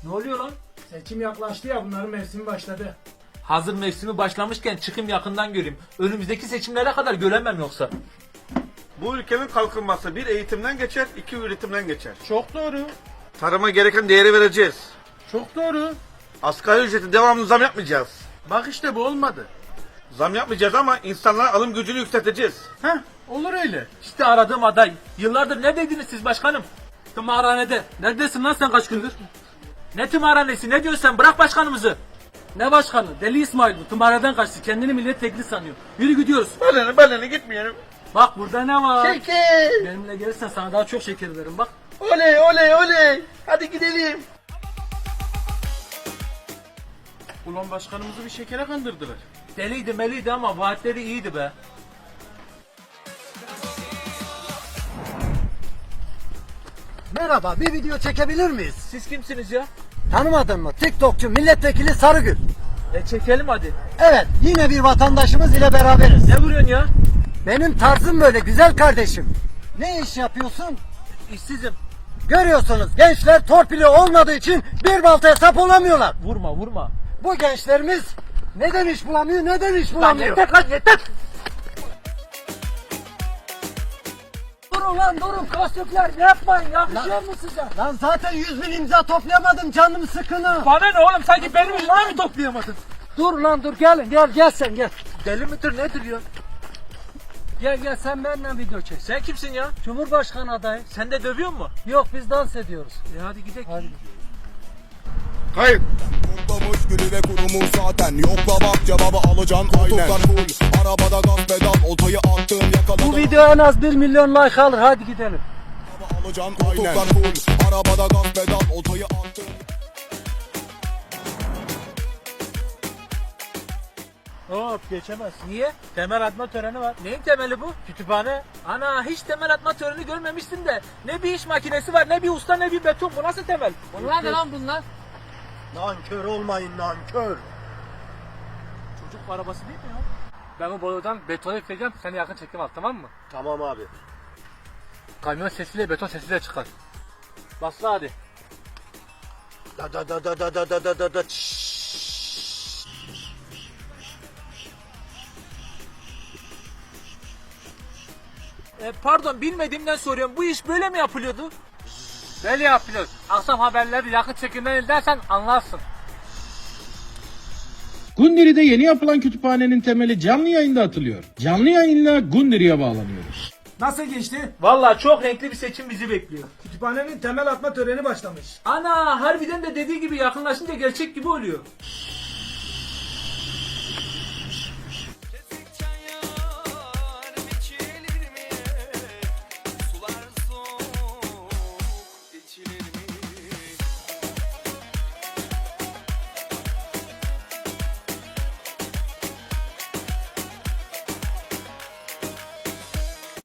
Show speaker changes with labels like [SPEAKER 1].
[SPEAKER 1] Ne oluyor lan?
[SPEAKER 2] Seçim yaklaştı ya, bunların mevsimi başladı.
[SPEAKER 1] Hazır mevsimi başlamışken çıkayım yakından göreyim. Önümüzdeki seçimlere kadar göremem yoksa.
[SPEAKER 3] Bu ülkenin kalkınması bir eğitimden geçer, iki üretimden geçer.
[SPEAKER 2] Çok doğru.
[SPEAKER 3] Tarıma gereken değeri vereceğiz.
[SPEAKER 2] Çok doğru.
[SPEAKER 3] Asgari ücreti devamlı zam yapmayacağız.
[SPEAKER 2] Bak işte bu olmadı.
[SPEAKER 3] Zam yapmayacağız ama insanların alım gücünü yükselteceğiz.
[SPEAKER 2] Heh, olur öyle.
[SPEAKER 1] İşte aradığım aday. Yıllardır neredeydiniz siz başkanım? Tımarhanede. Neredesin lan sen kaç gündür? Ne tımarhanesi, ne diyorsun sen? Bırak başkanımızı.
[SPEAKER 4] Ne başkanı? Deli İsmail bu. Tımarhadan kaçtı. Kendini milletvekili sanıyor. Yürü gidiyoruz.
[SPEAKER 3] Baleni gitmeyelim.
[SPEAKER 4] Bak burada ne var?
[SPEAKER 3] Şeker.
[SPEAKER 4] Benimle gelirsen sana daha çok şeker veririm bak.
[SPEAKER 3] Oley. Hadi gidelim.
[SPEAKER 2] Ulan başkanımızı bir şekere kandırdılar.
[SPEAKER 1] Deliydi meliydi ama vaatleri iyiydi be.
[SPEAKER 5] Merhaba, bir video çekebilir miyiz?
[SPEAKER 1] Siz kimsiniz ya?
[SPEAKER 5] Tanımadın mı? TikTokçu milletvekili Sarıgül.
[SPEAKER 1] Çekelim hadi.
[SPEAKER 5] Evet, yine bir vatandaşımız ile beraberiz.
[SPEAKER 1] Ne vuruyorsun ya?
[SPEAKER 5] Benim tarzım böyle güzel kardeşim. Ne iş yapıyorsun?
[SPEAKER 1] İşsizim.
[SPEAKER 5] Görüyorsunuz gençler torpili olmadığı için bir baltaya sap olamıyorlar.
[SPEAKER 1] Vurma.
[SPEAKER 5] Bu gençlerimiz neden iş bulamıyor, neden iş
[SPEAKER 1] Lan
[SPEAKER 5] bulamıyor?
[SPEAKER 1] yeter lan yeter.
[SPEAKER 4] Durun lan durun. Kasökler yapmayın. Yakışıyor mu size?
[SPEAKER 5] Lan zaten 100.000 imza toplayamadım, canım sıkını.
[SPEAKER 1] Bana ne oğlum, sanki benim yüzümden mi toplayamadın?
[SPEAKER 4] Dur lan dur. Gelin gel sen gel.
[SPEAKER 1] Deli midir nedir ya?
[SPEAKER 4] Gel sen benimle video çek.
[SPEAKER 1] Sen kimsin ya?
[SPEAKER 4] Cumhurbaşkanı adayı.
[SPEAKER 1] Sen de dövüyor mu?
[SPEAKER 4] Yok biz dans ediyoruz.
[SPEAKER 1] Hadi gidelim.
[SPEAKER 4] Hadi.
[SPEAKER 3] Kayıp.
[SPEAKER 6] Toplamış gülü ve kurumu zaten. Yokla bak cevabı alacaksın aynen. Koltuklar full, arabada gaz pedal. Oltayı attım yakaladım.
[SPEAKER 4] Bu video en az 1 milyon like alır. Hadi gidelim.
[SPEAKER 6] Alacaksın aynen. Koltuklar full, arabada gaz pedal. Oltayı attım.
[SPEAKER 1] Hop geçemez. Niye? Temel atma töreni var. Neyin temeli bu? Kütüphane. Ana hiç temel atma töreni görmemişsin de. Ne bir iş makinesi var, ne bir usta, ne bir beton. Bu nasıl temel?
[SPEAKER 4] Bunlar ne lan bunlar?
[SPEAKER 5] Nankör olmayın, nankör.
[SPEAKER 1] Çocuk arabası değil mi ya?
[SPEAKER 4] Ben bu borudan betonu yükleyeceğim. Seni yakın çekim al tamam mı?
[SPEAKER 5] Tamam abi.
[SPEAKER 4] Kamyon sesiyle beton sesiyle çıkar.
[SPEAKER 1] Basla hadi.
[SPEAKER 5] Da.
[SPEAKER 1] Pardon, bilmediğimden soruyorum. Bu iş böyle mi yapılıyordu?
[SPEAKER 4] Böyle yapıyoruz. Akşam haberleri yakın çekimden izlersen anlarsın.
[SPEAKER 7] Gundiri'de yeni yapılan kütüphanenin temeli canlı yayında atılıyor. Canlı yayınla Gundiri'ye bağlanıyoruz.
[SPEAKER 2] Nasıl geçti?
[SPEAKER 1] Vallahi çok renkli bir seçim bizi bekliyor.
[SPEAKER 2] Kütüphanenin temel atma töreni başlamış.
[SPEAKER 1] Ana harbiden de dediği gibi yakınlaşınca gerçek gibi oluyor.